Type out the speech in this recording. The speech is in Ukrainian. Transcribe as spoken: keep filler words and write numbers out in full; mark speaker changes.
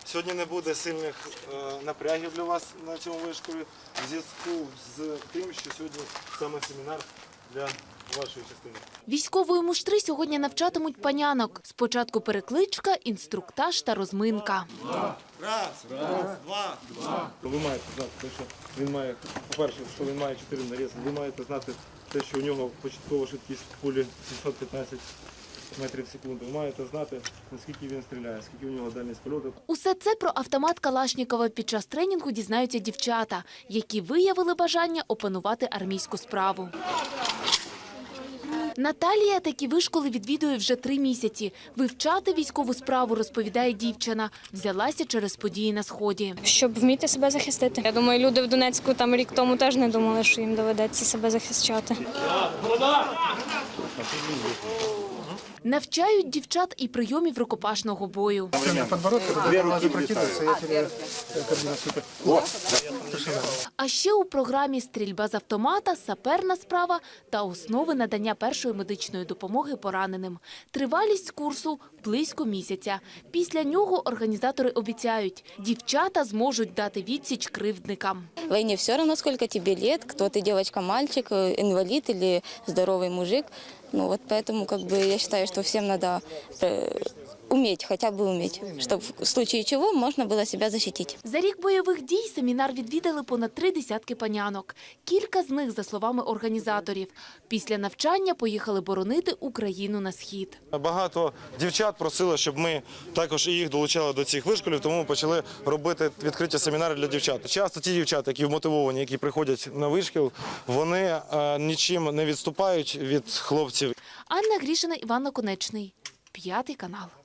Speaker 1: Сьогодні не буде сильних е, напрягів для вас на цьому вишколі в зв'язку з тим, що сьогодні саме семінар для вашої частини.
Speaker 2: Військової муштри сьогодні навчатимуть панянок. Спочатку перекличка, інструктаж та розминка.
Speaker 1: Два. Раз, раз, два, два. Ви маєте знати те, що він має, по-перше, що він має чотири нарізи. Ви маєте знати те, що у нього початкова швидкість кулі сімсот п'ятнадцять метрів в секунду. Ви маєте знати, наскільки він стріляє, скільки у нього дальність польоту.
Speaker 2: Усе це про автомат Калашнікова під час тренінгу дізнаються дівчата, які виявили бажання опанувати армійську справу. Наталія такі вишколи відвідує вже три місяці. Вивчати військову справу, розповідає дівчина, взялася через події на Сході.
Speaker 3: Щоб вміти себе захистити. Я думаю, люди в Донецьку там рік тому теж не думали, що їм доведеться себе захищати.
Speaker 2: Навчають дівчат і прийомів рукопашного бою. А ще у програмі стрільба з автомата, саперна справа та основи надання першої медичної допомоги пораненим. Тривалість курсу – близько місяця. Після нього організатори обіцяють, дівчата зможуть дати відсіч кривдникам.
Speaker 4: В войне все равно, сколько тебе лет, кто ты, девочка, мальчик, инвалид или здоровый мужик. Ну вот поэтому как бы я считаю, что всем надо уметь, хотя бы уметь, чтобы в случае чего можно было себя защитить.
Speaker 2: За рік бойових дій семінар відвідали понад три десятки панянок. Кілька з них, за словами організаторів, після навчання поїхали боронити Україну на схід.
Speaker 1: Багато дівчат просили, щоб ми також і їх долучали до цих вишколів, тому ми почали робити відкриті семінари для дівчат. Часто ті дівчата, які вмотивовані, які приходять на вишкіл, вони нічим не відступають від хлопців.
Speaker 2: Анна Грішина, Іван Наконечний, П'ятий канал.